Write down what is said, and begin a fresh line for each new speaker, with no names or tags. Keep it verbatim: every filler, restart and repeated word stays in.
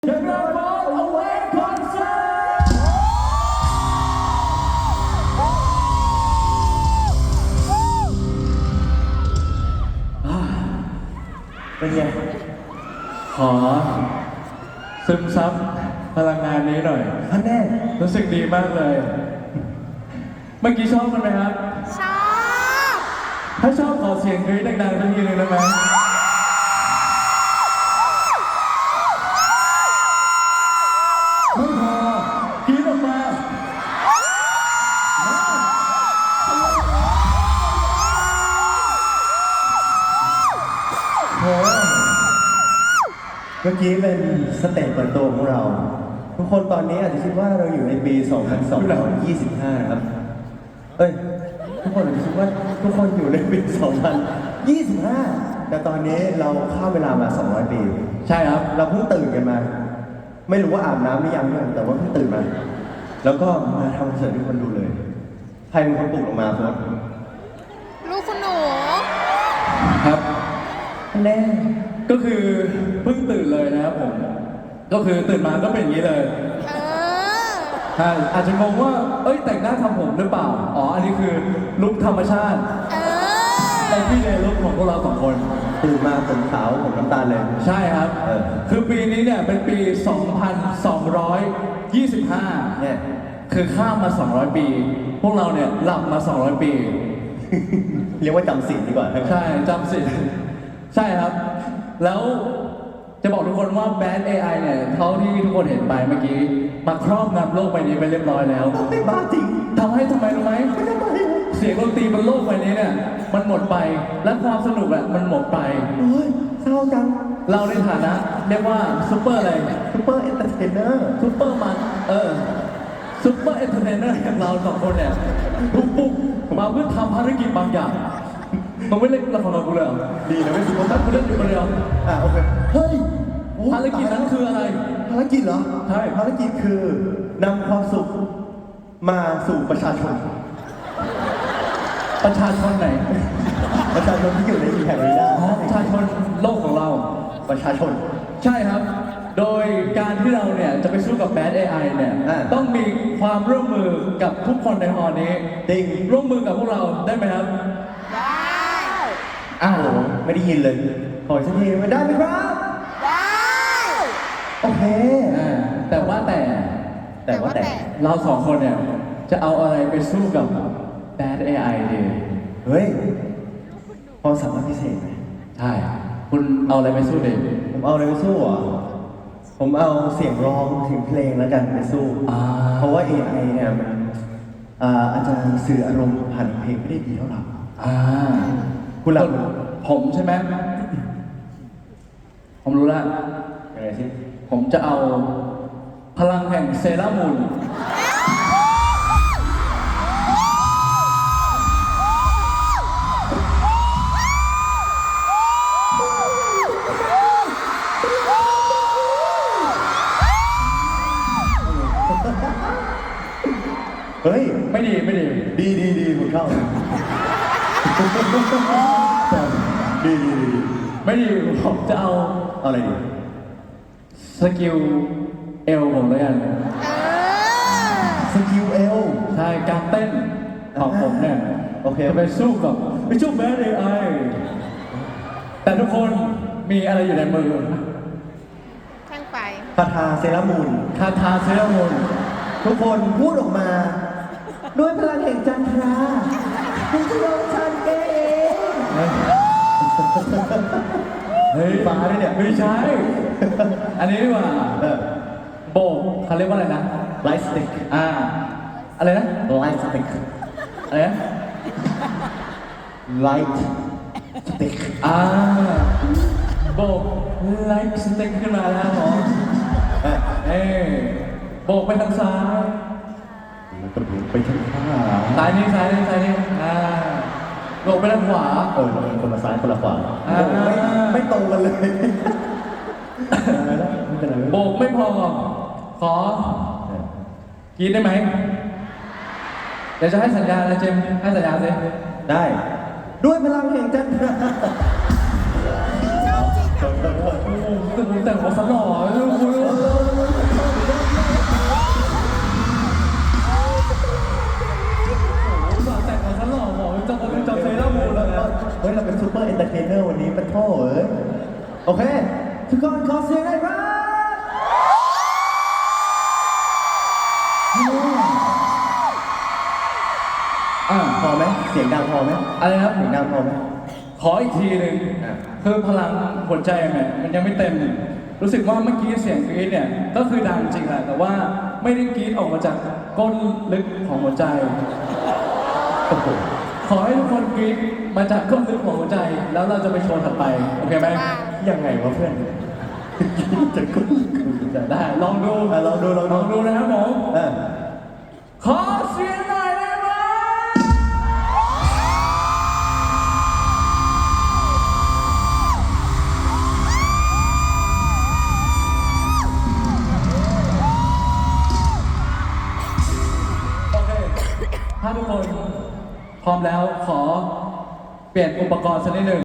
The Grand Ball Away Concert เป็นไงขอซึมซับพลังงานนี้หน่อยท่านแน่รู้สึกดีมากเลย เมื่อกี้ชอบกันไหมครับ
ชอบ
ถ้าชอบขอเสียงกรี๊ดดังๆสักทีหนึงได้ไหมไม่พอกรี๊ดออกมาโอ้เมื่อกี้เป็นสเตจเปิดตัวของเรา ทุกคนตอนนี้อาจจะคิดว่าเราอยู่ในปี สองพันสองร้อยยี่สิบห้า ครับเอ้ย ทุกคนอาจจะคิดว่าทุกคนอยู่ในปี สองพันยี่สิบห้า แต่ตอนนี้เราข้ามเวลามา สองร้อย ปี ใช่ครับ เราเพิ่งตื่นกันมา ไม่รู้ว่าอาบน้ำหรือยังด้วยแต่ว่าเพิ่งตื่นมา แล้วก็มาทำคอนเสิร์ตให้คนดูเลย ใครเป็นคนปลุกออกมาโฟน
ลูกคุณหนู
ครับแน่ก็คือเพิ่งตื่นเลยนะครับผม ก็คือตื่นมาก็เป็นอย่างนี้เลย
เออ
ใช่อาจจะงงว่า เอ้ยแต่งหน้าทำผมหรือเปล่า อ๋อ อันนี้คือลุคธรรมชาติ
เออ
ในพี่เดย์ลุคของพวกเราสองคน
ตื่นมาผมขาวผมน้ำตาลเลย
ใช่ครับ
เออ
คือปีนี้เนี่ยเป็นปี สองพันสองร้อยยี่สิบห้า
เนี่ย
คือข้ามมา สองร้อย ปี พวกเราเนี่ยหลับมา สองร้อย ปี
เรียกว่าจำศีลดีกว่าใช่ไหม
ใช่จำสิใช่ครับ แล้วจะบอกทุกคนว่าแบรนด์ เอ ไอ เนี่ยเท่าที่ทุกคนเห็นไปเมื่อกี้ มาครอบงำโลกใบนี้ไปเรียบร้อยแล้ว
ไม่บ้าจริง
ทำให้ทำไมรู้ไหม
ไม่ทำไม
เสียงดนตรีบนโลกใบนี้เนี่ยมันหมดไปและความสนุกอะมันหมดไป
โอ้ยเศร้าจัง
เราในฐานะเรียกว่าซูเปอร์อะไร
ซูเปอร์เอนเตอร์เทนเนอร์
ซูเปอร์มันเออซูเปอร์เอนเตอร์เทนเนอร์อย่างเราสองคนเนี่ยปุ๊บปุ๊บมาเพื่อทำภารกิจบางอย่างมึงไม่เล่นละครกับกูเลยเหรอ
ดีนะไม่ซูเปอร์
แต่กูเล่นอยู่คนเดียว
อ่ะโอเค เฮ้ยโอ้
ภารกิจนั้นคืออะไร
ภารกิจเหรอ
ใช่
ภารกิจคือนำความสุขมาสู่ประชาชน
ประชาชนไหน
ประชาชนที่อยู่ในอีแพคนี้ได้
อ๋อประชาชนโลกของเรา
ประชาชน
ใช่ครับ โดยการที่เราเนี่ยจะไปสู้กับแบด เอ ไอ เนี่ย
อ่า
ต้องมีความร่วมมือกับทุกคนในฮอลล์นี้
จริง
ร่วมมือกับพวกเราได้ไหมครับ
ได้
อ้าว
โอ้โหไม่ได้ยินเลย ขออีกสักทีไม่ได้ไหมครับ
ได้
โอเค
อ่าแต่ว่าแต่
แต่ว่าแต่
เราสองคนเนี่ยจะเอาอะไรไปสู้กับแบด เอ ไอ ดี
เฮ้ยพอสามารถพิเศษไหม
ใช่ คุณเอาอะไรไปสู้เด็ก
ผมเอาอะไรไปสู้อ่ะ ผมเอาเสียงร้องถึงเพลงแล้วกันไปสู้
อ่า
เพราะว่า เอ ไอ เนี่ยมันอ่าอาจจะสื่ออารมณ์ผ่านเพลงไม่ได้ดีเท่าเรา
อ่า
คุณหลับ
ผมใช่ไหม ผมรู้แล้ว
ยังไงสิ
ผมจะเอาพลังแห่งเซรามูน
เฮ้ย
ไม่ดีไม่ดี
ดีดีดีคุณเข้า ดีดีดี
ไม่ดี ผมจะเอา
เอาอะไรดี
สกิลเอลผมเลยกัน
เออ
สกิลเอล
ใช่การเต้นของผมเนี่ย
โอเค
จะไปสู้กับไปสู้แบด เอ ไอ แต่ทุกคนมีอะไรอยู่ในมือ
แท่งไฟ
คาถาเซรามูน
คาถาเซรามูน
ทุกคนพูดออกมา ด้วยพลังแห่งจันทราคุณจะโดนฉันเอง
เฮ้ย
ฟ้าด้วยเนี่ย
ไม่ใช่ อันนี้ดีกว่า
เออ
โบกเขาเรียกว่าอะไรนะ
ไลท์สติ๊ก
อ่า อะไรนะ
ไลท์สติ๊ก
อะไรนะ
ไลท์สติ๊ก
อ่าโบกไลค์สเต็กขึ้นมาแล้วหมอเอ้ยโบกไปทางซ้าย
ไปทางขวา
ซ้ายนี่ซ้ายนี่ซ้ายนี่อ่าโบกไปทางขวา
เออคนละซ้ายคนละขวา
อ่า
โอ้ไม่ไม่ตรงกันเลยไม่เป็นไรไม่เป็นไร
โบกไม่พอ ขอ กินได้ไหม เดี๋ยวจะให้สัญญาณนะเจมส์ให้สัญญาณสิ
ได้ ด้วยพลังแห่งจันทรา
ชอบจริง
โอ้โหแต่งมาสลอเลยคุณอไหมเสียงดังพอไหม
อะไรนะครับ
เสียงดังพอไหม
ขออีกทีหนึ่ง
อ่ะ
คือพลังหัวใจเนี่ยมันยังไม่เต็ม รู้สึกว่าเมื่อกี้เสียงกรี๊ดเนี่ยก็คือดังจริงแหละแต่ว่าไม่ได้กรี๊ดออกมาจากก้นลึกของหัวใจ
โอ้โห
ขอให้ทุกคนกรี๊ดมาจากก้นลึกของหัวใจ แล้วเราจะไปโชว์ถัดไปโอเคไหม
ว่า
ยังไงวะเพื่อนจะกุ้งกุ้งจะได้
ได้ลองดู
อ่ะลองดูลองดู
ลองดูนะครับผม
เออ
ขอเสียงหน่อยได้ไหมโอเค ถ้าทุกคนพร้อมแล้วขอเปลี่ยนอุปกรณ์สักนิดหนึ่ง